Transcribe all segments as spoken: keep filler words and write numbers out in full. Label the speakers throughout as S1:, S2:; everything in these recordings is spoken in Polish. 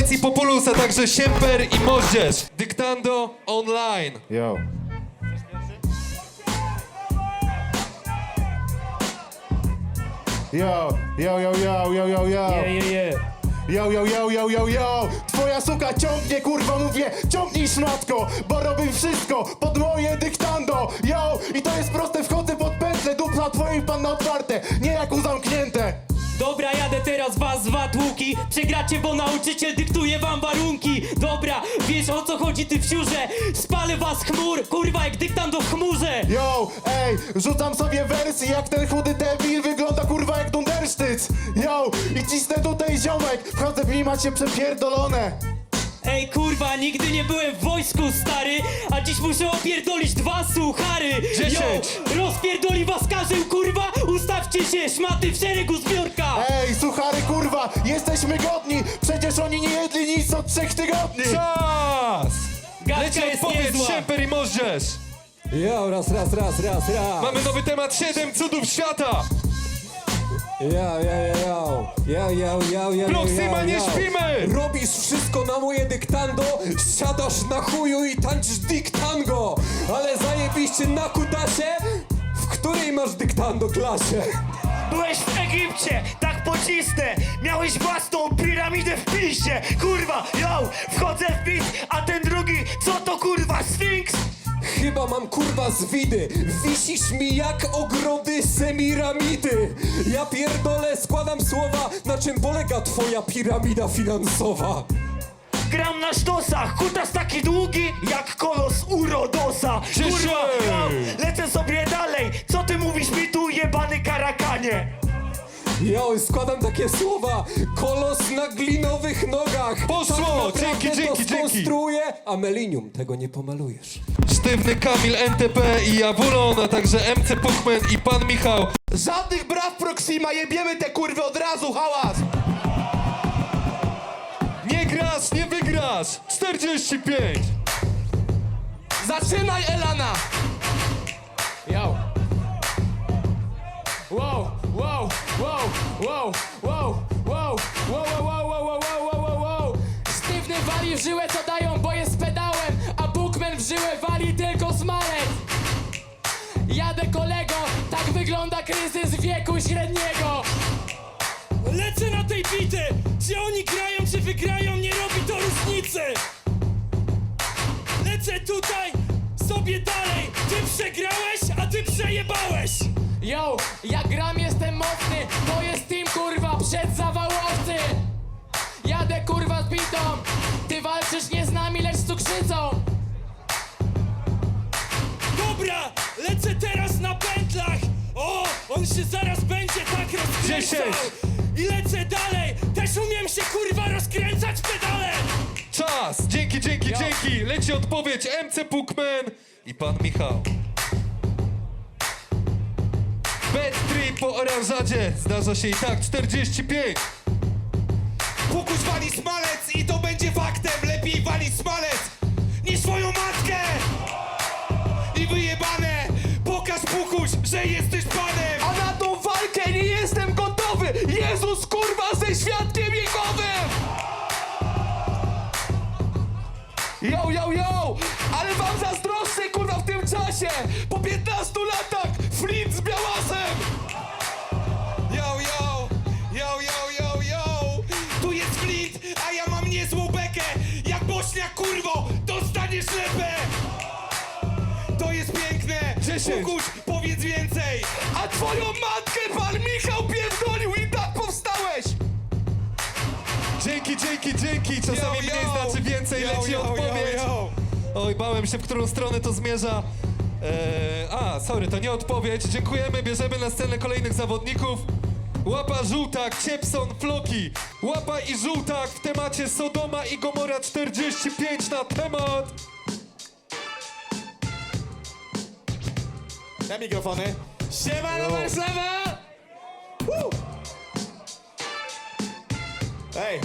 S1: Smalec i Populus, a także Siemper i Moździerz. Dyktando online.
S2: Yo. Yo, yo, yo, yo, yo, yo, yo.
S3: Yeah, yeah, yeah.
S2: Yo, yo, yo, yo, yo, yo. Twoja suka ciągnie, kurwa, mówię, ciągnij szmatko, bo robię wszystko pod moje dyktando. Yo, i to jest proste, wchodzę pod pętlę, dupla twoim pan na otwarte, nie jak u zamknięte.
S3: Dobra, jadę teraz was z watłuki. Przegracie, bo nauczyciel dyktuje wam warunki. Dobra, wiesz o co chodzi ty wsiurze. Spalę was chmur, kurwa jak dyktando w chmurze.
S2: Yo, ej, rzucam sobie wersji jak ten chudy debil, wygląda kurwa jak dundersztyc. Yo, i cisnę tutaj ziomek, wchodzę w nim, macie przepierdolone.
S3: Ej kurwa, nigdy nie byłem w wojsku, stary. A dziś muszę opierdolić dwa suchary.
S1: Dziesięć.
S3: Yo, rozpierdoli was karzeł, kurwa. Ustawcie się, szmaty w szeregu zbiorka.
S2: Ej, suchary kurwa, jesteśmy godni, przecież oni nie jedli nic od trzech tygodni.
S1: Czas!
S3: Gadka
S1: Leci
S3: jest
S1: odpowiedź,
S3: niezła.
S1: Siemper i Moździerz.
S4: Jo, raz, raz, raz, raz, raz.
S1: Mamy nowy temat, siedem cudów świata.
S4: Jo, jo, jo, jo, jo, jo, jo,
S1: Proxima, nie śpimy!
S4: Robisz wszystko na moje dyktando, siadasz na chuju i tańczysz dyktango. Ale zajebiście na kutasie, w której masz dyktando klasie?
S5: Byłeś w Egipcie, tak pocisnę. Miałeś własną piramidę w piście. Kurwa, yo, wchodzę w bit, a ten drugi, co to kurwa, Sfinks?
S4: Chyba mam kurwa z widy. Wisisz mi jak ogrody semiramidy. Ja pierdolę, składam słowa. Na czym polega twoja piramida finansowa?
S5: Gram na sztosach, kutas taki długi, jak kolos Urodosa. Kurwa, yo, lecę sobie dalej. Co ty mówisz mi tu, jebany karakanie?
S4: Jo, składam takie słowa. Kolos na glinowych nogach.
S1: Poszło!
S4: Tak naprawdę
S1: Dzięki,
S4: to
S1: dzięki, dzięki.
S4: skonstruuję, a melinium tego nie pomalujesz.
S1: Sztywny Kamil, N T P i Jawulon, a także M C Pukman i Pan Michał.
S2: Żadnych braw Proxima, jebiemy te kurwy od razu, hałas!
S1: Nie grasz, nie wygrasz! czterdzieści pięć!
S2: Zaczynaj, Elana!
S6: Yo. Wow, wow, wow, wow, wow, wow, wow, wow, wow, wow, wow, wow, wow, wow. Sztywny wali w żyłę, co dają, bo jest pedałem, a Bookman w żyłę wali tylko smalec. Jadę kolego, tak wygląda kryzys wieku średniego.
S7: Lecę na tej bity! Czy oni grają, czy wygrają, nie robi to różnicy! Lecę tutaj, sobie dalej! Ty przegrałeś, a ty przejebałeś!
S6: Yo, jak gram jestem mocny, to jest team kurwa przed zawałowcy. Jadę kurwa z bitą, ty walczysz nie z nami, lecz z cukrzycą.
S7: Dobra, lecę teraz na pętlach! O, on się zaraz będzie tak rozkręcał!
S1: Dziesięć.
S7: I lecę dalej! Też umiem się kurwa rozkręcać pedale!
S1: Czas! Dzięki, dzięki,
S6: Jo.
S1: dzięki! Leci odpowiedź M C Pukman i Pan Michał. Bet trip po oranżadzie. Zdarza się i tak, czterdzieści pięć.
S8: Pukuś wali smalec i to będzie faktem. Lepiej wali smalec niż swoją matkę. I wyjebane, pokaż Pukuś, że jesteś panem.
S2: A na tą walkę nie jestem gotowy! Jezus kurwa ze świadkiem Jehowym! Yo, yo, yo! Ale wam zazdroszczę kurwa w tym czasie! Po piętnastu latach Flint z białasem!
S8: Yo, yo, yo, yo, yo, yo. Tu jest Flint, a ja mam niezłą bekę. Jak bośniak kurwo, dostaniesz lepę. To jest piękne.
S1: Dziesięć.
S8: Pukuś, powiedz więcej.
S2: A twoją matkę pan Michał pierdolił i tak powstałeś!
S1: Dzięki, dzięki, dzięki! Czasami
S8: Yo,
S1: mniej
S8: yo.
S1: znaczy więcej,
S8: Yo,
S1: leci
S8: yo,
S1: odpowiedź.
S8: yo, yo.
S1: Oj, bałem się, w którą stronę to zmierza. Eee, a, sorry, to nie odpowiedź. Dziękujemy, bierzemy na scenę kolejnych zawodników. Łapa żółtak, Ciepson, Floki. Łapa i żółtak w temacie Sodoma i Gomora czterdzieści pięć na temat.
S2: Na mikrofony.
S8: Siemano Warszawa! Woo!
S2: Ej!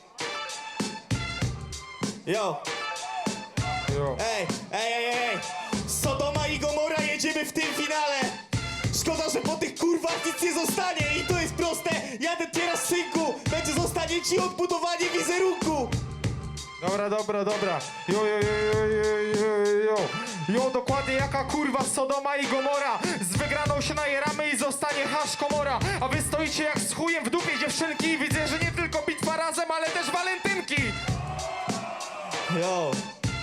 S2: Yo!
S8: Ej, ej, ej, ej! Sodoma i Gomora jedziemy w tym finale! Szkoda, że po tych kurwach nic nie zostanie i to jest proste! Jadę teraz synku! Będzie zostanie ci odbudowanie wizerunku!
S2: Dobra, dobra, dobra. Jo, jo, jo, jo, jo, jo, jo. Jo, dokładnie jaka kurwa Sodoma i Gomora. Z wygraną się najeramy i zostanie hasz komora. A wy stoicie jak z chujem w dupie dziewczynki i widzę, że nie tylko bitwa razem, ale też walentynki.
S4: Yo.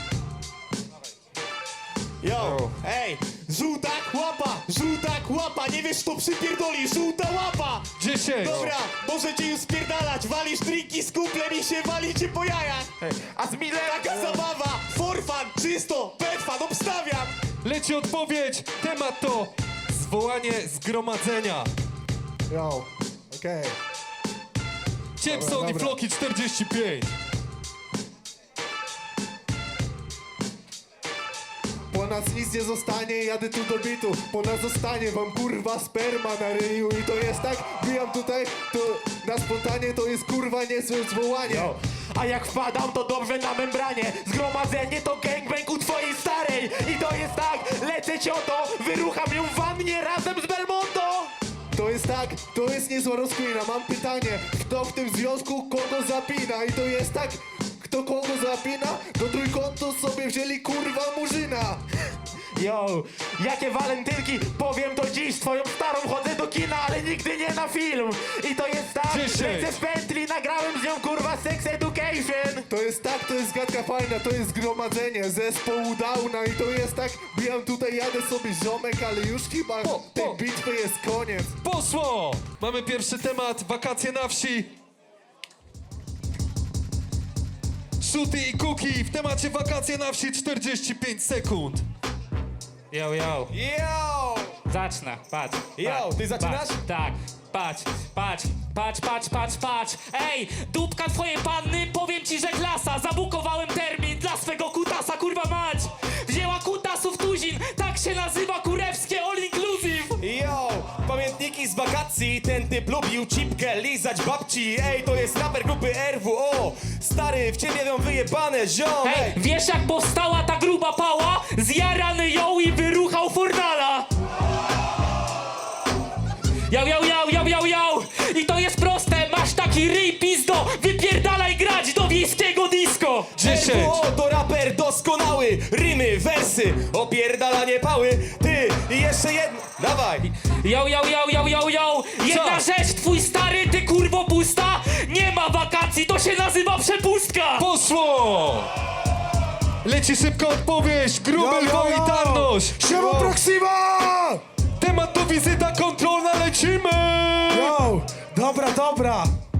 S4: Yo, ej, żółta łapa, żółta łapa, nie wiesz kto przypierdoli, żółta łapa.
S1: dziesięć.
S4: Dobra, możecie już spierdalać, walisz drinki z kumplem i się walicie po jajach.
S2: A z Millerem...
S4: Taka zabawa, for fun, czysto, pet fan, obstawiam.
S1: Leci odpowiedź. Temat to zwołanie zgromadzenia.
S2: Jo, okej.
S1: Ciepson
S2: Dobra,
S1: i
S2: dobra.
S1: Floki czterdzieści pięć.
S2: Po nas nic nie zostanie, jadę tu do bitu. Po nas zostanie wam kurwa sperma na ryju. I to jest tak, bijam tutaj, to na spontanie to jest kurwa niezłe zwołanie.
S4: A jak wpadam to dobrze na membranie. Zgromadzenie to gangbang u twojej starej. I to jest tak, lecę cioto, wyrucham ją w wannie razem z Belmondo.
S2: To jest tak, to jest niezła rozkmina. Mam pytanie, kto w tym związku kogo zapina? I to jest tak, kto kogo zapina? Do trójkątu sobie wzięli kurwa murzyna.
S4: Yo, jakie walentynki, powiem to dziś. Twoją starą chodzę do kina, ale nigdy nie na film. I to jest tak,
S1: dziesięć.
S4: lecę z pętli, nagrałem z nią kurwa Sex Education.
S2: To jest tak, to jest gadka fajna, to jest zgromadzenie zespołu Downa. I to jest tak, bijam tutaj, jadę sobie ziomek, ale już chyba
S1: Po,
S2: tej
S1: po.
S2: bitwy jest koniec.
S1: Poszło! Mamy pierwszy temat, wakacje na wsi. Szuty i kuki w temacie wakacje na wsi czterdzieści pięć sekund.
S3: Yo, yo.
S4: Yo!
S3: Zacznę, patrz.
S4: Yo,
S3: patrz,
S4: ty zaczynasz?
S3: Patrz, tak, patrz, patrz, patrz, patrz, patrz, patrz. Ej, dupka twojej panny, powiem ci, że klasa. Zabukowałem termin dla swego kutasa, kurwa mać. Wzięła kutasów tuzin, tak się nazywa kurewskie all inclusive.
S4: Yo, pamiętniki z wakacji, ten typ lubił cipkę, lizać babci. Ej, to jest raper grupy R W O. Stary, w ciebie ją wyjebane, ziom.
S3: Ej, wiesz jak powstała ta gruba pała? Zjarany ją i wyruchał Fornala. Jał, jał, jał, jał, jał, jał. I to jest proste, masz taki ryj pizdo, wypierdalaj grać do wiejskiego disco.
S1: dziesięć.
S4: R W O to raper doskonały, rymy, wersy, opierdalanie pały. Ty, i jeszcze jedno, dawaj.
S3: Jał, jał, jał, jał, jał, jał. Jedna
S1: Co?
S3: rzecz, twój stary, ty kurwo pusta. Nie ma wakacji, to się nazywa przepustka.
S1: Poszło! Leci szybka odpowiedź, gruby lwo i tarność.
S2: Siema Proxima!
S1: Temat to wizyta kontrolna, lecimy!
S2: Yo, dobra, dobra.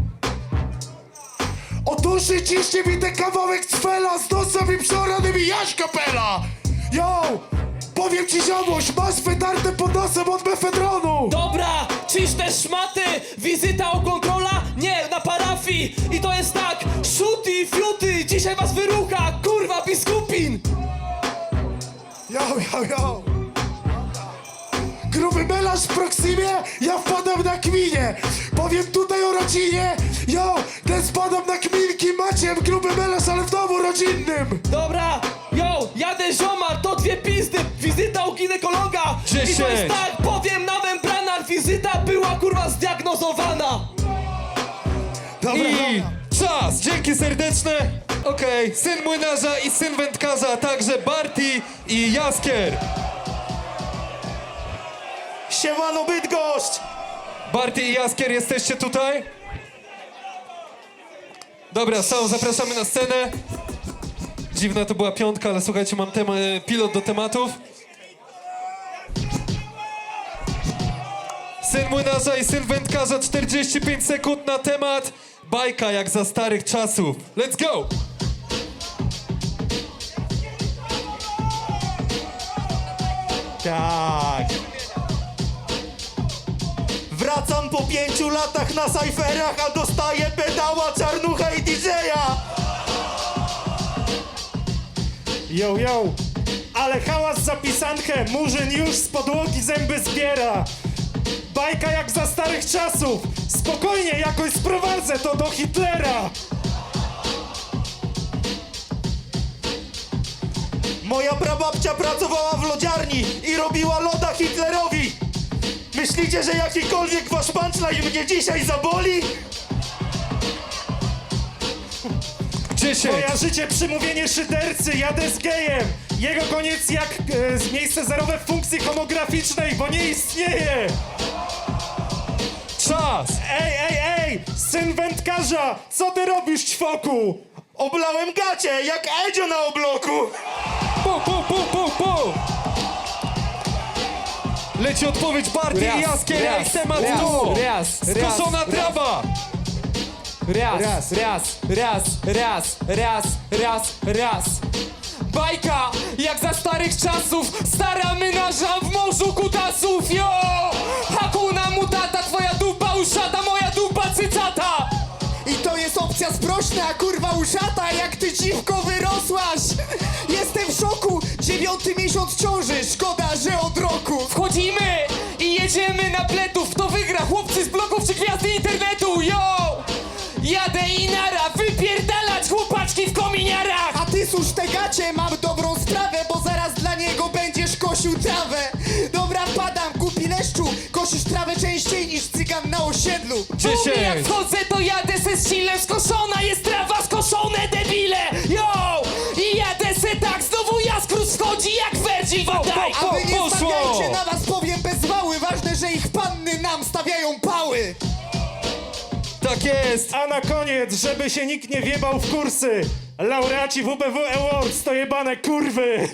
S2: Otóż ciśnie mi ten kawałek cfela z nosem i przeoranymi jaś kapela. Yo, powiem ci ziomuś, masz wytarte pod nosem od mefedronu.
S7: Dobra, czyż te szmaty? Wizyta o kontrola? Nie, na parafii. I to jest tak, szuty, fiuty, dzisiaj was wyrucha, kurwa biskupin.
S2: Yo, yo, yo. Gruby melarz w Proximie, ja wpadam na kminie. Powiem tutaj o rodzinie. Yo, ten spadam na kminki, macie gruby melarz, ale w domu rodzinnym.
S7: Dobra, yo, jadę ziomar, to dwie pizdy, wizyta u ginekologa. I to jest
S1: dziesięć.
S7: tak, powiem na membranach, wizyta była kurwa zdiagnozowana.
S2: Dobra,
S1: I
S2: dobra.
S1: czas! Dzięki serdeczne! Okej, syn młynarza i syn wędkarza, a także Barty i Jaskier.
S2: Siemano Bydgoszcz!
S1: Barty i Jaskier, jesteście tutaj? Dobra, są, zapraszamy na scenę. Dziwna to była piątka, ale słuchajcie, mam tema, pilot do tematów. Syn młynarza i syn wędkarza, czterdzieści pięć sekund na temat. Bajka jak za starych czasów. Let's go!
S2: Tak. Wracam po pięciu latach na sajferach, a dostaję pedała, czarnucha i D J-a. Yo, yo, ale hałas za pisankę, murzyn już z podłogi zęby zbiera. Bajka jak za starych czasów, spokojnie, jakoś sprowadzę to do Hitlera. Moja prababcia pracowała w lodziarni i robiła loda Hitlerowi. Myślicie, że jakikolwiek wasz punchline mnie dzisiaj zaboli?
S1: dziesięć.
S9: Kojarzycie przymówienie szydercy, jadę z gejem. Jego koniec jak e, miejsce zerowe w funkcji homograficznej, bo nie istnieje.
S1: Czas.
S9: Ej, ej, ej, syn wędkarza, co ty robisz, ćwoku? Oblałem gacie, jak Edzio na obloku.
S1: Pu, pu, pu, pu, pu. Leci odpowiedź bardziej
S6: Raz,
S1: jaskiera i
S6: raz,
S1: temat
S6: raz,
S1: tu.
S6: raz,
S1: Skoszona
S6: raz,
S1: trawa.
S6: Raz, raz, raz, raz, raz, raz, raz, raz. Bajka, jak za starych czasów, stara menaża w morzu kutasów, yo! Hakuna mutata, twoja dupa uszata, moja dupa cycata!
S2: I to jest opcja sprośna, kurwa uszata, jak ty dziwko wyrosłaś. Jestem w szoku, dziewiąty miesiąc ciąży, szkoda, że od roku.
S6: Wchodzimy i jedziemy na pletów, kto wygra, chłopcy z bloków czy gwiazdy internetu, yo! Jadę i nara, wypierdalać chłopaczki w kominiarach!
S2: A ty służ te gacie, mam dobrą sprawę, bo zaraz dla niego będziesz kosił trawę. Dobra, padam, głupi leszczu, kosisz trawę częściej niż cygan na osiedlu.
S6: Mówię, jak
S1: dziesięć.
S6: wchodzę, to jadę se z chillem, skoszona jest trawa, skoszone debile, yo! I jadę se tak, znowu Jaskrus wchodzi jak Virgil van Dijk.
S2: A wy nie
S1: poszło.
S2: stawiajcie, na was powiem bez wały, ważne, że ich panny nam stawiają pały.
S1: Tak jest.
S9: A na koniec, żeby się nikt nie wjebał w kursy, laureaci W B W Awards to jebane kurwy.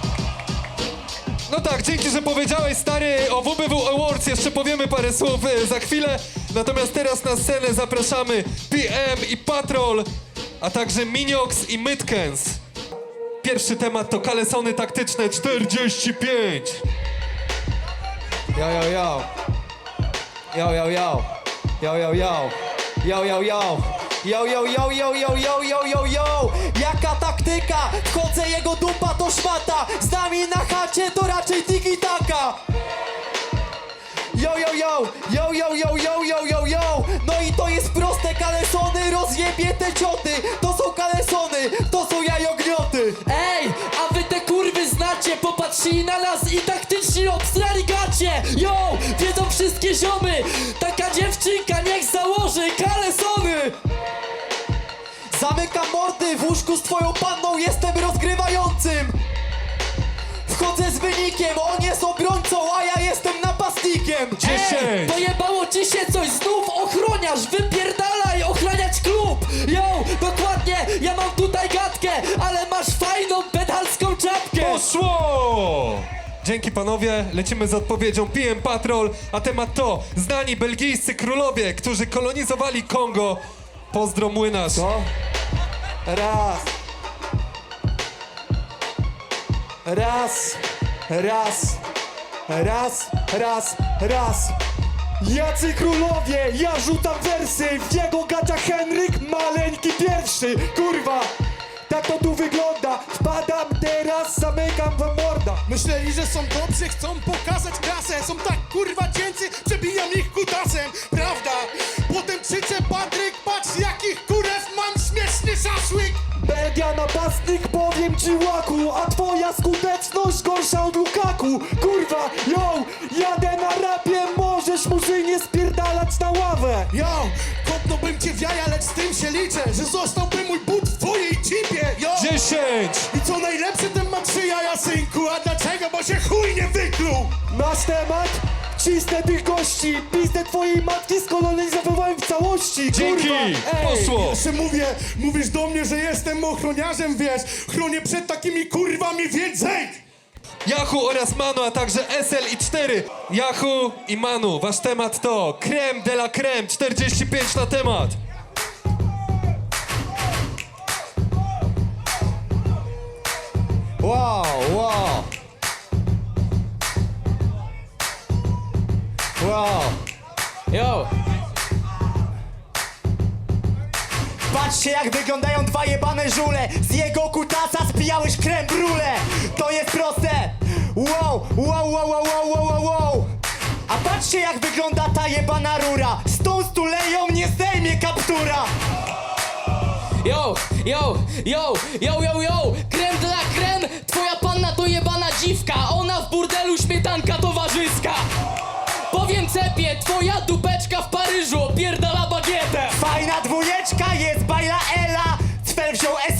S1: No tak, dzięki, że powiedziałeś, stary, o W B W Awards jeszcze powiemy parę słów e, za chwilę. Natomiast teraz na scenę zapraszamy P M i Patrol, a także Miniox i Mytkens. Pierwszy temat to kalesony taktyczne czterdzieści pięć.
S4: Yo, yo, yo. Yo, yo, yo. Yo, yo, yo. Yo, yo, yo. Yo, yo, yo, yo, yo, yo, yo, yo, yo. Jaka taktyka? Wchodzę, jego dupa to szmata. Z nami na chacie to raczej tiki-taka. Yo, yo, yo, yo, yo, yo, yo, yo, yo, yo. No i to jest proste, kalesony, rozjebie te cioty. To są kalesony, to są jajognioty.
S7: Ej, a wy te kurwy znacie, popatrzyli na nas i taktycznie obstrali gacie. Yo, wiedzą wszystkie ziomy, taka dziewczynka niech założy kalesony.
S4: Zamykam mordy, w łóżku z twoją panną jestem rozgrywającym. Wchodzę z wynikiem, on jest obrońcą, a ja jestem napastnikiem.
S7: Ej,
S1: dziesięć.
S7: pojebało ci się coś, znów ochroniarz, wypierdalaj, ochraniać klub. Yo, dokładnie, ja mam tutaj gadkę, ale masz fajną pedalską czapkę.
S1: Poszło! Dzięki panowie, lecimy z odpowiedzią P M Patrol, a temat to znani belgijscy królowie, którzy kolonizowali Kongo. Pozdro młynarz.
S4: Co? Raz. Raz. Raz. Raz. Raz. Raz.
S9: Jacy królowie, ja rzucam wersy, w jego gaciach Henryk maleńki pierwszy. Kurwa, tak to tu wygląda, wpadam teraz, zamykam wam morda.
S2: Myśleli, że są dobrzy, chcą pokazać klasę. Są tak kurwa cięcy, przebijam ich kutasem. Prawda? Potem krzyczę Patryk, patrz jakich kurew mam śmieszny szaszłyk.
S9: Belgia napastnik, powiem ci łaku, a twoja skuteczność gorsza od Lukaku. Kurwa, yo, jadę na rapie, możesz murzynie spierdalać na ławę.
S2: Yo, kopnąłbym cię w jaja, lecz z tym się liczę, że zostałby mój but w twojej cipie. Yo!
S1: dziesięć.
S2: I co najlepsze, ten ma trzy jaja, synku. A dlaczego? Bo się chuj nie wykluł.
S9: Masz temat? Cisnę tych gości, pizdę twojej matki skolonizowałem w całości.
S1: Dzięki.
S9: Kurwa, ej.
S1: Poszło.
S2: Jeszcze mówię, mówisz do mnie, że jestem ochroniarzem, wiesz. Chronię przed takimi kurwami, więc zejdź!
S1: Yahoo oraz Manu, a także S L i cztery. Yahoo i Manu, wasz temat to creme de la creme, czterdzieści pięć na temat.
S4: Wow, wow. Wow.
S6: Yo,
S2: Patrzcie jak wyglądają dwa jebane żule. Z jego kutasa spijałeś creme brulee. To jest proste. Wow, wow, wow, wow, wow, wow, wow, wow. A patrzcie jak wygląda ta jebana rura. Z tą stuleją nie zdejmie kaptura.
S7: Yo, yo, yo, yo, yo, yo, creme de la creme, twoja panna to jebana dziwka, ona w burdelu śmietanka towarzyska. Powiem cepie, twoja dupeczka w Paryżu opierdala bagietę.
S2: Fajna dwójeczka jest bajla Ela. Cfel wziął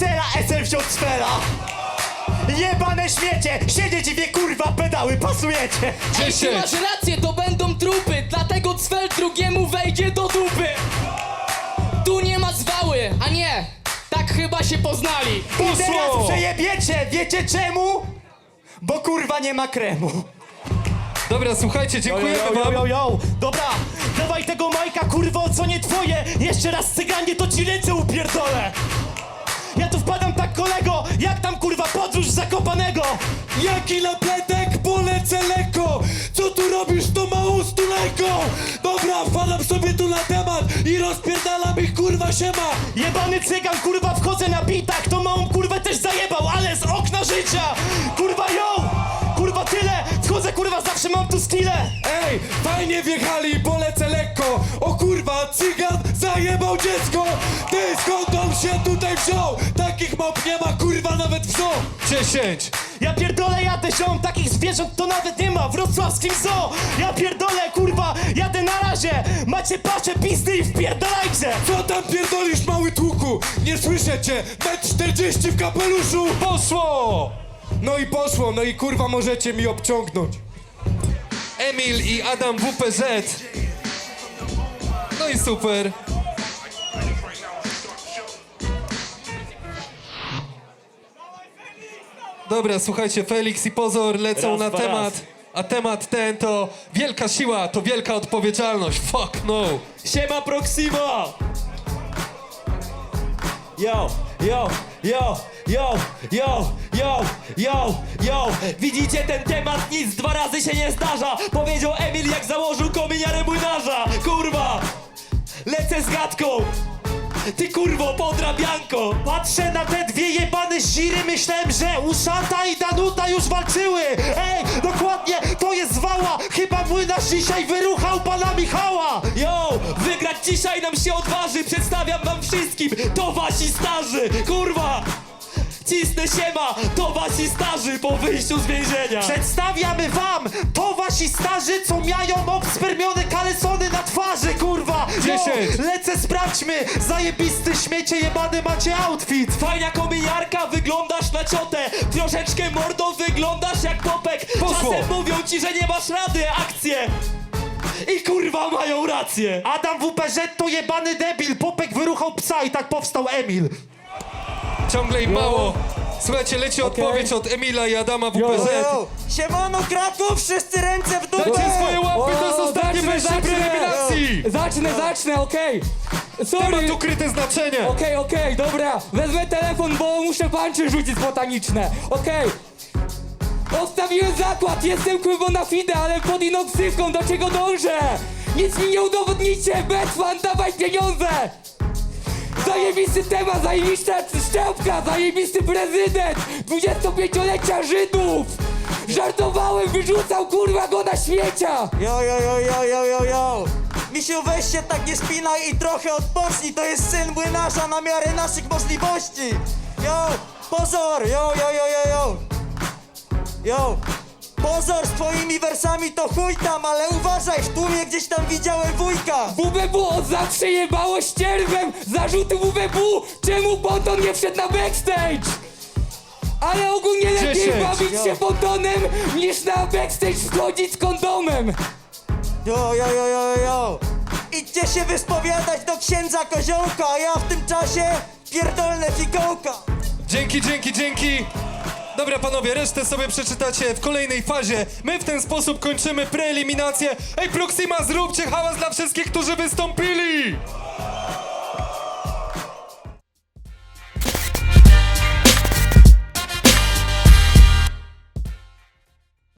S5: odejść od sfera! Jebane śmiecie! Siedzieć i wie kurwa pedały, pasujecie!
S7: Ej, ty
S1: dziesięć.
S7: masz rację, to będą trupy, dlatego Cfel drugiemu wejdzie do dupy. Tu nie ma zwały, a nie, tak chyba się poznali.
S5: I teraz przejebiecie! Wiecie czemu? Bo kurwa nie ma kremu!
S1: Dobra, słuchajcie, dziękujemy
S5: yo,
S1: wam.
S5: yo, yo. Dobra, dawaj tego Majka, kurwo, co nie twoje! Jeszcze raz cyganie, to ci ręce upierdolę! Ja tu wpadam tak, kolego, jak tam kurwa podróż z Zakopanego!
S8: Jaki napletek, polecę lekko! Co tu robisz, to mało stulejko? Dobra, wpadam sobie tu na temat i rozpierdalam ich, kurwa, siema!
S5: Jebany cygan, kurwa, wchodzę na bitach, to małą kurwę też zajebał, ale z okna życia! Kurwa, yo! Kurwa, tyle! Wchodzę, kurwa, zawsze mam tu skille!
S8: Ej, fajnie wjechali, polecę lekko! O kurwa, cygan zajebał dziecko! Ty, skąd on się tutaj wziął? Takich mop nie ma, kurwa, nawet w zoo!
S1: dziesięć.
S5: Ja pierdolę, jadę ziom, takich zwierząt to nawet nie ma w wrocławskim zoo! Ja pierdolę, kurwa, jadę na razie! Macie pasze, pizdy i wpierdalajcie!
S8: Co tam pierdolisz, mały tłuku? Nie słyszę cię! metr czterdzieści w kapeluszu!
S1: Poszło!
S8: No i poszło, no i kurwa możecie mi obciągnąć.
S1: Emil i Adam W P Z. No i super. Dobra, słuchajcie, Felix i Pozor lecą
S5: Raz,
S1: na
S5: dwa,
S1: temat.
S5: raz.
S1: A temat ten to wielka siła, to wielka odpowiedzialność. Fuck no.
S5: Siema Proxima! Yo, yo, yo, yo, yo, yo, yo, yo! Widzicie ten temat? Nic dwa razy się nie zdarza! Powiedział Emil, jak założył kominiarę młynarza! Kurwa! Lecę z gadką! Ty kurwo, podrabianko! Patrzę na te dwie jebane ziry, myślałem, że Uszata i Danuta już walczyły! Ej, dokładnie, to jest wała! Chyba młynarz dzisiaj wyruchał pana Michała! Yo, wygrać dzisiaj nam się odważy! Przedstawiam wam wszystkim, to wasi starzy! Kurwa! Cisnę siema, to wasi starzy po wyjściu z więzienia! Przedstawiamy wam, to wasi starzy, co mają obspermione kalesony na twarzy, kurwa! Yo,
S1: dziesięć.
S5: lecę, sprawdźmy! Zajebisty śmiecie jebany macie outfit! Fajna kominiarka, wyglądasz na ciotę! Troszeczkę mordo, wyglądasz jak popek!
S1: Poszło.
S5: Czasem mówią ci, że nie masz rady, akcje! I kurwa mają rację! Adam W P Z to jebany debil! Popek wyruchał psa i tak powstał Emil!
S1: Ciągle im mało. Słuchajcie, leci odpowiedź od Emila i Adama W P Z.
S5: Siemano Kraków, wszyscy ręce w dół!
S1: Dajcie swoje łapy, to jest
S6: O,
S1: ostatnie
S6: zacznę,
S1: wejście
S6: zacznę.
S1: preeliminacji.
S6: Zacznę, zacznę, okej. Sorry.
S1: Temat ukryte znaczenie.
S6: Okej, okej, dobra. Wezmę telefon, bo muszę panczy rzucić botaniczne. Okej. Odstawiłem zakład, jestem kurwa na fide, ale pod inną ksywką, do czego dążę? Nic mi nie udowodnicie, Betfan, dawaj pieniądze! Zajebisty temat, zajebista szczepka, zajebisty prezydent, dwudziestopięciolecia Żydów! Żartowałem, wyrzucał kurwa go na śmiecia!
S5: Jo, jo, jo, jo, jo, jo, jo! Misiu, weź się tak nie spinaj i trochę odpocznij, to jest syn młynarza na miarę naszych możliwości! Jo, pozor, jo, jo, jo, jo, jo! Jo, pozor, z twoimi wersami to chuj tam, ale uważaj, w tłumie gdzieś tam widziałem wujka!
S6: W B W od zawsze jebało ścierwem! Zarzuty W B W! Czemu Ponton nie wszedł na backstage? Ale ogólnie lepiej
S1: dziesięć.
S6: bawić się Pontonem niż na backstage wchodzić z kondomem!
S5: Jo, jo, jo, jo, jo! Idźcie się wyspowiadać do księdza Koziołka, a ja w tym czasie pierdolnę fikołka!
S1: Dzięki, dzięki, dzięki. Dobra panowie, resztę sobie przeczytacie w kolejnej fazie. My w ten sposób kończymy preeliminację. Ej Proxima, zróbcie hałas dla wszystkich, którzy wystąpili!